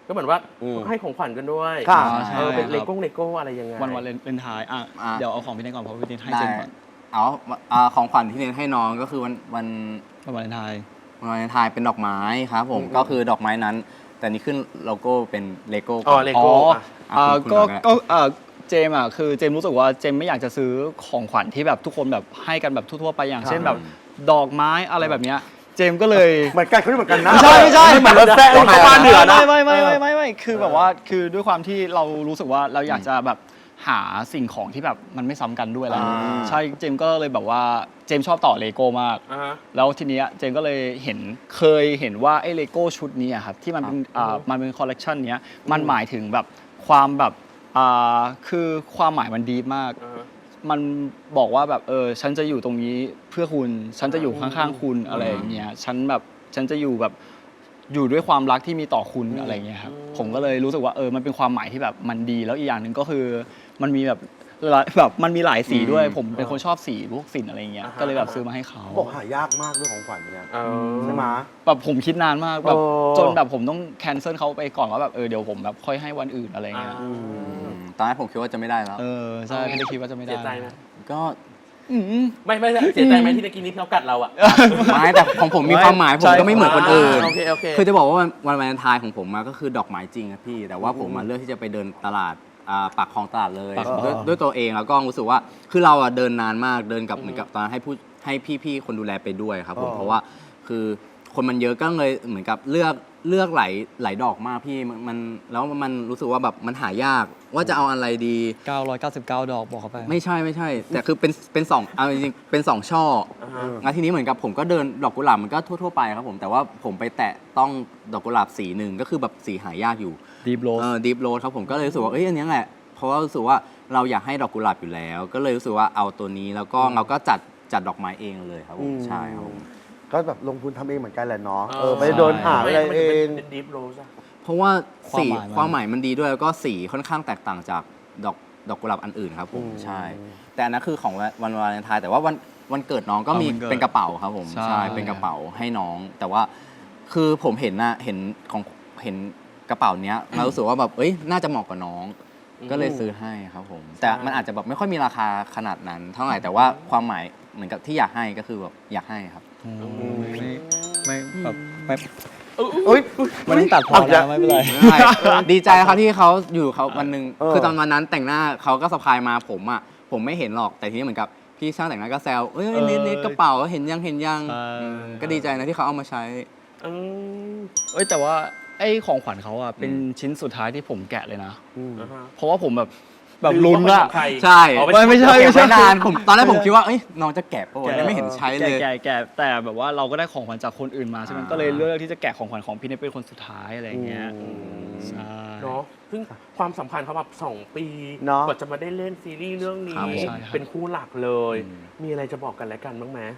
Speaker 4: ก็เหมือนว่า
Speaker 3: อืม
Speaker 4: ให้ของขวัญกันด้วย
Speaker 3: ค่ะ
Speaker 2: ใช่
Speaker 4: เออเป็น
Speaker 2: ครับ
Speaker 4: เลโก้เลโก้อะไรยังไง
Speaker 2: วันวันเลนไทายอ่ะ
Speaker 1: อ่ะ
Speaker 2: เดี๋ยวเอาของพี่เนทก่อนเพราะพี่เนทให้
Speaker 1: ได้
Speaker 2: เจมก่อน
Speaker 1: เอาอ่าของขวัญที่เน้นให้น้องก็คือวันวัน
Speaker 2: วันวาเลนไทน์
Speaker 1: วันวาเลนไทน์เป็นดอกไม้ครับผม
Speaker 3: อืม
Speaker 1: ก็คือดอกไม้นั้น แต่นี่ขึ้นโลโก้เป็นเลโก้
Speaker 4: อ๋อเล
Speaker 2: อ๋อ
Speaker 4: โก้อ่ะ
Speaker 2: อ่า
Speaker 1: คุณคุณ
Speaker 2: ก็
Speaker 1: บอกได้
Speaker 2: ก็อ่าเจมอ่ะคือเจมรู้สึกว่าเจมไม่อยากจะซื้อของขวัญที่แบบทุกคนแบบให้กันแบบทั่วๆไปอย่างเช่นแบบดอกไม้อะไรแบบเนี้ยเจมก็เลย
Speaker 3: เหมือนกันเขาเหมือนกันนะ
Speaker 2: ไม่ใช่ไม่ใช่
Speaker 3: เหมือนรถแซ่
Speaker 4: ของชาวบ้านเหนือนะ
Speaker 2: ไม่ไม่ไม่ไม่ไม่ไม่คือแบบว่าคือด้วยความที่เรารู้สึกว่าเราอยากจะแบบหาสิ่งของที่แบบมันไม่ซ้ำกันด้วยแหละ
Speaker 3: อ่า
Speaker 2: ใช่เจมก็เลยแบบว่าเจมชอบต่อเลโก้มาก
Speaker 4: อ่าฮะ
Speaker 2: แล้วทีเนี้ยเจมก็เลยเห็นเคยเห็นว่าไอ้เลโก้ชุดนี้อะครับที่มันเป็นอ่ามันเป็นคอลเลกชันเนี้ยมันหมายถึงแบบความแบบอ่าคือความหมายมันดีมาก
Speaker 4: อ่าฮะ
Speaker 2: มันบอกว่าแบบเออฉันจะอยู่ตรงนี้เพื่อคุณ ฉันจะอยู่ข้างๆคุณอะไรอย่างเงี้ยฉันแบบฉันจะอยู่แบบอยู่ด้วยความรักที่มีต่อคุณอะไรอย่างเงี้ยครับผมก็เลยรู้สึกว่าเออมันเป็นความหมายที่แบบมันดีแล้วอีกอย่างหนึ่งก็คือมันมีแบบหลายแบบมันมีหลายสีด้วย ผมเป็นคนชอบสีพวกสินอะไรอย่างเงี้ยก็เลยแบบซื้อมาให้เขา
Speaker 3: บอกหายากมากเรื่องของขวัญเนี่ย
Speaker 4: เออ
Speaker 3: ใช่ไหม
Speaker 2: แบบผมคิดนานมากแบบ
Speaker 3: โอ้
Speaker 2: จนแบบผมต้องแคนเซิลเขาไปก่อนว่าแบบเออเดี๋ยวผมแบบค่อยให้วันอื่นอะไรเงี้ย
Speaker 4: อ่า
Speaker 1: อืมตอนแรกผมคิดว่าจะไม่ได้แล้ว
Speaker 2: เออใช่ไม่ได้คิดว่าจะไม่ได้
Speaker 4: เสียใจไหม
Speaker 1: ก็
Speaker 2: อืม
Speaker 4: ไม่ไม่เสียใจไหมที่ตะกี้นี้เขากัดเราอ่ะ
Speaker 1: ไม่แต่ของผมมีความหมายผมก็ไม่เหมือนคนอื่น
Speaker 4: โอเคโอเค
Speaker 1: คือจะบอกว่าวันวันวาเลนไทน์ของผมมาก็คือดอกไม้จริงครับพี่ แต่ว่าผมมาเลือกที่จะไปเดินตลาดอ่าปากคลองตลาดเลย
Speaker 2: ปากคลอง
Speaker 1: ด้วยด้วยตัวเองแล้วก็รู้สึกว่าคือเราอะเดินนานมากเดินกับเหมือนกับตอนนั้นให้ผู้ให้พี่ๆคนดูแลไปด้วยครับผม
Speaker 3: อ๋อ
Speaker 1: เพราะว่าคือคนมันเยอะก็เลยเหมือนกับเลือกเลือกหลายหลายดอกมากพี่มันมันแล้วมันรู้สึกว่าแบบมันหายากว่าจะเอาอะไรดี
Speaker 2: เก้าร้อยเก้าสิบเก้าดอกบอกเขาไป
Speaker 1: ไม่ใช่ไม่ใช่ แต่คือเป็นเป็นสองเอาจริงๆเป็นสองช่อ
Speaker 4: อ่าฮะ
Speaker 1: งั้นทีนี้เหมือนกับผมก็เดินดอกกุหลาบมันก็ทั่วๆไปครับผมแต่ว่าผมไปแตะต้องดอกกุหลาบสีหนึ่งก็คือแบบสีหายากอยู่
Speaker 2: ดีฟโรส
Speaker 1: เออดีฟโรสครับผมก็เลยรู้สึกว่าเอ้ยอันเนี้ยแหละเพราะว่ารู้สึกว่าเราอยากให้ดอกกุหลาบอยู่แล้ว ก็เลยรู้สึกว่าเอาตัวนี้แล้วก็เราก็จัดจัดดอกไม้เองเลยครับผมใช่ครับผม
Speaker 3: ก็แบบลงทุนทำเองเหมือนกันแหละเนาะ
Speaker 4: เออ
Speaker 3: เออไปเดินหาอะไรเอง
Speaker 4: เป็นดิฟโรสอะ
Speaker 1: เพราะว่าสี
Speaker 2: ความหมายมัน
Speaker 1: ความหมายมันดีด้วยแล้วก็สีค่อนข้างแตกต่างจากดอกดอกกุหลาบอันอื่นครับผม
Speaker 3: อืม
Speaker 1: ใช่ แต่อันนั้นคือของวันวาเลนไทน์แต่ว่าวันวันเกิดน้องก็มี
Speaker 2: อ๋อวันเกิด
Speaker 1: เป็นกระเป๋าครับผม
Speaker 2: ใช่
Speaker 1: ใช่เป็นกระเป๋าให้น้อง แต่ว่าคือผมเห็นนะเห็นของเห็นกระเป๋าเนี้ยเรารู้สึกว่าแบบเอ้ยน่าจะเหมาะกับน้อง ก็เลยซื้อให้ครับผม แต่มันอาจจะแบบไม่ค่อยมีราคาขนาดนั้น เท่าไหร่แต่ว่าความหมายเหมือนกับที่อยากให้ก็คือแบบอยากให้ครับ
Speaker 2: ไม่ไม่แบบไม่
Speaker 3: เอ้ย
Speaker 2: ไม่ต้องตัดพอ
Speaker 3: เอาอย่า
Speaker 2: นะไม่เป็นไร
Speaker 1: ใช่ดีใจครับที่เขาอยู่เขาวันหนึ่ง
Speaker 3: เออ
Speaker 1: คือตอนวันนั้นแต่งหน้าเขาก็สะพายมาผมอ่ะผมไม่เห็นหรอกแต่ทีนี้เหมือนกับพี่ช่างแต่งหน้าก็แซวเอ้ย
Speaker 2: เออ
Speaker 1: เน็ตเน็ตกระเป๋าเห็นยังเห็นยัง
Speaker 2: ใช่
Speaker 1: อืมก็ดีใจนะที่เขาเอามาใช้
Speaker 4: อืม
Speaker 2: เอ้ยแต่ว่าไอ้ของขวัญเขาอ่ะเป็น
Speaker 1: อืม
Speaker 2: ชิ้นสุดท้ายที่ผมแกะเลยนะ
Speaker 3: อืม
Speaker 4: อ่าฮะ
Speaker 2: เพราะว่าผมแบบแบบลุ้น
Speaker 4: ว่า
Speaker 2: อะ
Speaker 4: เป็นของใคร
Speaker 1: ใช่
Speaker 4: อ๋อ
Speaker 2: ไม่ไม่ใช่
Speaker 1: เก็บไว้นานผมตอนแรกผมคิดว่าเอ้ยน้องจะแกะปะวะเนี่ยไม่เห็นใช้เลย
Speaker 2: แกะแกะแต่แบบว่าเราก็ได้ของขวัญจากคนอื่นมาใช่ไหม
Speaker 1: อ่า
Speaker 2: ก็เลยเลือกที่จะแกะของขวัญของพี่เนทเป็นคนสุดท้ายอะไรอย่างเงี้ย
Speaker 3: อืม
Speaker 2: ใช่
Speaker 4: เนาะซึ่งความสัมพันธ์เขาแบบสองปี
Speaker 3: เนาะ
Speaker 4: กว่าจะมาได้เล่นซีรีส์เรื่องนี้
Speaker 1: ครับผม
Speaker 2: ใช่ครับ
Speaker 4: เป็นคู่หลักเลย
Speaker 1: อืม
Speaker 4: มีอะไรจะบอกกันและกันบ้างไหม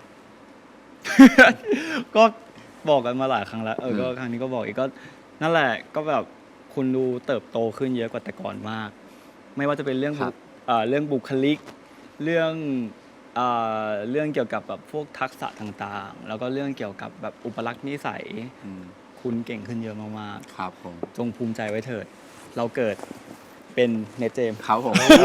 Speaker 2: ก็บอกกันมาหลายครั้งแล้วเออก็ครั้งนี้ก็บอกอีกก็นั่นแหละก็แบบคุณดูเติบโตขึ้นเยอะกว่าแต่ก่อนมาก ไม่ว่าจะเป็นเรื่องบุเอ่อเรื่องบุคลิก เรื่องเอ่อเรื่องเกี่ยวกับแบบพวกทักษะต่างๆ แล้วก็เรื่องเกี่ยวกับแบบอุปลักษณ์นิสัย
Speaker 1: อืม
Speaker 2: คุณเก่งขึ้นเยอะมาก
Speaker 1: ครับผม
Speaker 2: ๆ จงภูมิใจไว้เถิด เราเกิดเป็นเนทเจมส์
Speaker 1: ครับผม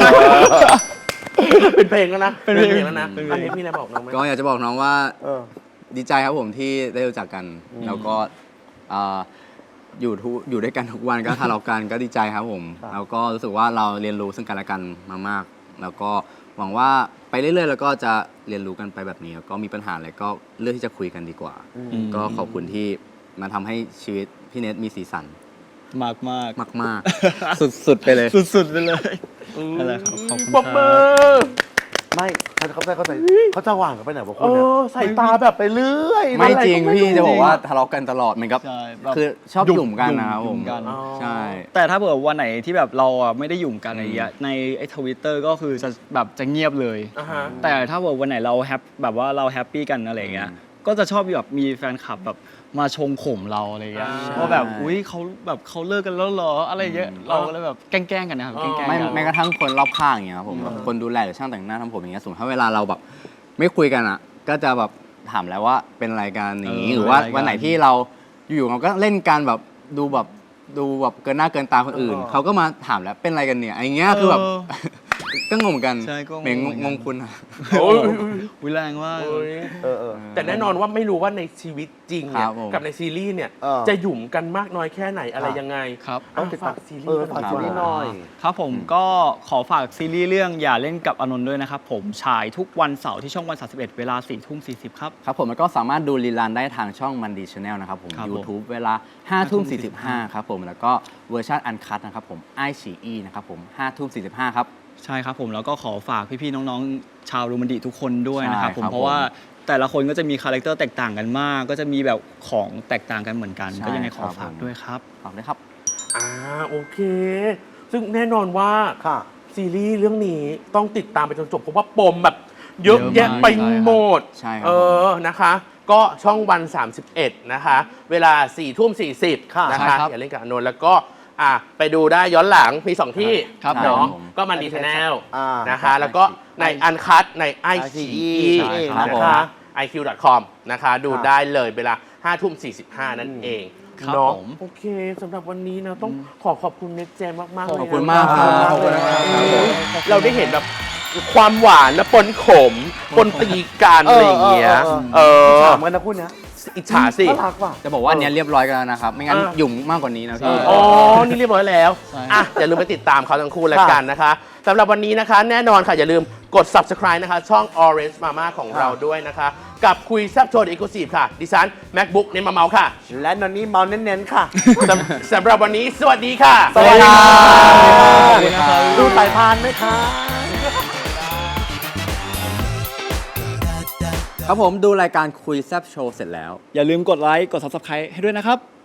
Speaker 4: เป็นเพลงแล้วนะ
Speaker 2: เป็นเพลง
Speaker 4: แล้วนะ
Speaker 2: เป็นเพลง
Speaker 4: อันนี้มีอะไรบอกน้องไหม
Speaker 1: ก็อยากจะบอกน้องว่า
Speaker 3: เออ
Speaker 1: ดีใจครับผมที่ได้รู้จักกัน แล้วก็เอ่ออยู่ทุกอยู่ด้วยกันทุกวันก็ทะเลาะกันก็ดีใจครับผม
Speaker 3: ครับ
Speaker 1: แล้วก็รู้สึกว่าเราเรียนรู้ซึ่งกันและกันมามาก แล้วก็หวังว่าไปเรื่อยๆ แล้วก็จะเรียนรู้กันไปแบบนี้แล้วก็มีปัญหาอะไรก็เลือกที่จะคุยกันดีกว่า
Speaker 3: อืม
Speaker 1: ก็ขอบคุณที่มาทำให้ชีวิตพี่เนทมีสีสัน
Speaker 2: มากมาก
Speaker 1: มากๆ สุดๆไปเลย
Speaker 2: สุดๆไปเลยนั่นแหละครับขอบคุณ
Speaker 4: ปรบมื
Speaker 2: ค
Speaker 4: อ
Speaker 3: ไม่เขาเขาเขาใส่เขาจะหว่างกันไปไหนวะ
Speaker 4: เอ
Speaker 3: คุณเนี่ย
Speaker 4: อใส่ตาแบบ
Speaker 3: ไปเรื่อย
Speaker 1: ไม่จริง
Speaker 3: อะก็
Speaker 1: พี่จะบอกว่าทะเลาะกันตลอดเหมือนกับ
Speaker 2: ใช่แบบ
Speaker 1: คือชอบหยุ่มกันนะครับ
Speaker 2: ห
Speaker 1: ผ
Speaker 2: ยุ่
Speaker 1: ม
Speaker 2: มกัน
Speaker 4: อ๋อ
Speaker 1: ใช่
Speaker 2: แต่ถ้าเผื่อวันไหนที่แบบเราอ่ะไม่ได้ยุ่มกันอะไรเงี้ยในไอ้ทวิตเตอร์ก็คือจะแบบจะเงียบเลย
Speaker 4: อ่าฮะ
Speaker 2: แต่ถ้าเผื่อวันไหนเราแฮปแบบว่าเราแฮปปี้กันอะไรเงี้ยก็จะชอบแบบมีแฟนคลับแบบมาชงข่มเราอะไรเงี้ย
Speaker 4: ใช่
Speaker 2: ว่าแบบอุ้ยเขาแบบเขาเลิกกันแล้วเหรออะไรเงี้ยเราก็เลยแบบแกล้งๆกันนะครับ
Speaker 4: อ๋อ
Speaker 2: แกล้งๆ
Speaker 1: ไม่
Speaker 2: กัน
Speaker 1: แม้กระทั่งคนรอบข้างอย่างเงี้ยครับผมแบบคนดูแลหรือช่างแต่งหน้าทำผมอย่างเงี้ยสมมติถ้าเวลาเราแบบไม่คุยกันอ่ะ ก็จะแบบถามแล้วว่าเป็นอะไรกันอย่างงี้
Speaker 2: เออ
Speaker 1: หรือว่า
Speaker 2: เป็นอะไรกัน
Speaker 1: วันไหนที่เราอยู่ๆเราก็เล่นกันแบบดูแบบดูแบบเกินหน้าเกินตาคนอื่น
Speaker 3: เออ
Speaker 1: เขาก็มาถามแล้วเป็นอะไรกันเนี่ยไอ้เงี้ยคือแบบ
Speaker 2: เออ
Speaker 1: ก็งงเหมือนกัน
Speaker 2: ใช่ก็งง
Speaker 1: เหม่ง
Speaker 2: เหมือนกัน
Speaker 1: งงคุณอะ
Speaker 4: โอ้ย
Speaker 2: วิแรงมาก
Speaker 4: โอ้ย
Speaker 3: เออเออ
Speaker 4: แต่แน่นอนว่าไม่รู้ว่าในชีวิตจริงเนี่
Speaker 1: ค
Speaker 4: ย
Speaker 1: รับผม
Speaker 4: กับในซีรีส์เนี่ย
Speaker 3: เออ
Speaker 4: จะหยุ่มกันมากน้อยแค่ไหนอะไรยังไง
Speaker 2: ครับ
Speaker 4: อ่ะฝากซีรี
Speaker 3: เอ
Speaker 4: ส์
Speaker 3: อ
Speaker 4: กัน
Speaker 3: ฝาก
Speaker 4: หน่อย
Speaker 3: ซีรีส์หน่อย
Speaker 2: ครับผมก็ขอฝากซีรีส์เรื่องอย่าเล่นกับอานนท์ด้วยนะครับผมฉายทุกวันเสาร์ที่ช่องวันสามสิบเอ็ดเวลาสี่ทุ่มสี่สิบครับ
Speaker 1: ครับผมแล้วก็สามารถดูรีลันได้ทางช่องมันดีชาแนลนะครับผม
Speaker 2: ครับผม
Speaker 1: YouTube เวลาห้าทุ่มสี่สิบห้าครับผมแล้วก็เวอร์ชันอันคัตนะครับผมไอฉีอีนะครับผมห้าทุ่มสี่สิบห้าครับ
Speaker 2: ใช่ครับผมแล้วก็ขอฝากพี่ๆน้องๆชาวรูมันดิทุกคนด้วยนะครับ
Speaker 1: ใช่
Speaker 2: ผม
Speaker 1: ครับ
Speaker 2: เพราะว่า
Speaker 1: ผม
Speaker 2: แต่ละคนก็จะมีคาแรคเตอร์แตกต่างกันมาก ก็จะมีแบบของแตกต่างกันเหมือนกัน
Speaker 1: ใช่
Speaker 2: ก็ยังไงขอ
Speaker 1: ครับ
Speaker 2: ฝาก
Speaker 1: ผม
Speaker 2: ด้วยครับ
Speaker 1: ฝากด้วยครับ
Speaker 4: อ่าโอเค ซึ่งแน่นอนว่า
Speaker 3: ค่ะ
Speaker 4: ซีรีส์เรื่องนี้ต้องติดตามไปจนจบเพราะว่าปมแบบเยอะแยะไปหมด
Speaker 1: ใช่ครับ
Speaker 4: เออนะคะ ก็ช่องวัน สามสิบเอ็ด นะคะ เวลาสี่ทุ่มสี่สิบ
Speaker 3: ค่ะ
Speaker 4: นะ
Speaker 2: ใช่
Speaker 4: คะ
Speaker 2: ครับ
Speaker 4: อย่าเล่นกับอานนท์แล้วก็อ่ะไปดูได้ย้อนหลังมีสองที่
Speaker 2: ครับ
Speaker 4: เนาะ
Speaker 1: ผม
Speaker 4: ก็มันดีชแนล
Speaker 3: อ่าน
Speaker 4: นะคะ แล้วก็ในอันคัตใน ไอ ซี อี
Speaker 3: ใช่ครับ
Speaker 4: นะ
Speaker 1: ผม
Speaker 4: คะ ไอ คิว ดอท คอม นะคะ ดูได้เลยเวลาห้าทุ่มสี่สิบห้านั่นเอง
Speaker 2: ครับ
Speaker 4: เนาะ
Speaker 2: ผม
Speaker 4: โอเคสำหรับวันนี้นะต้องขอขอบคุณเน็ตเจมมากๆเลยนะ
Speaker 1: ขอบคุณมากครับขอบคุณนะครับ
Speaker 4: เราได้เห็นแบบความหวานและปนขม ปนตีกัน
Speaker 3: เอ
Speaker 4: อะไร
Speaker 3: อ
Speaker 4: อย่างเงี้ย
Speaker 3: เออ
Speaker 4: เออ
Speaker 3: ถามกันนะคุณนะ
Speaker 4: อิจฉาสิ
Speaker 3: น่ารักว่ะ
Speaker 1: จะบอกว่าอันเนี้ยเรียบร้อยกันแล้วนะครับ ไม่งั้น
Speaker 4: อ่า
Speaker 1: หยุ่งมากกว่านี้นะพี่
Speaker 4: อ๋อ นี่เรียบร้อยแล้ว
Speaker 2: ใช่
Speaker 4: อ่ะ อย่าลืมไปติดตามเขาทั้งคู่แล้วกันนะคะสำหรับวันนี้นะคะ แน่นอนค่ะ อย่าลืมกด subscribe นะคะ ช่อง Orange Mama ของเราด้วยนะคะ กับคุยแซบโชว์ Exclusive ค่ะ ดิฉัน MacBook เน้นมาเมาค่ะ
Speaker 3: และนอนนี้เมาเน้นๆค่ะ
Speaker 4: สำสำหรับวันนี้ สวัสดีค่ะ
Speaker 3: สวัสดีค่ะ
Speaker 2: สวัสดีครับ
Speaker 3: ดูสายพานไหมคะ
Speaker 1: ครับผมดูรายการคุยแซบโชว์เสร็จแล้ว
Speaker 2: อย่าลืมกดไลค์กด ซับสไครบ์ ให้ด้วยนะครับ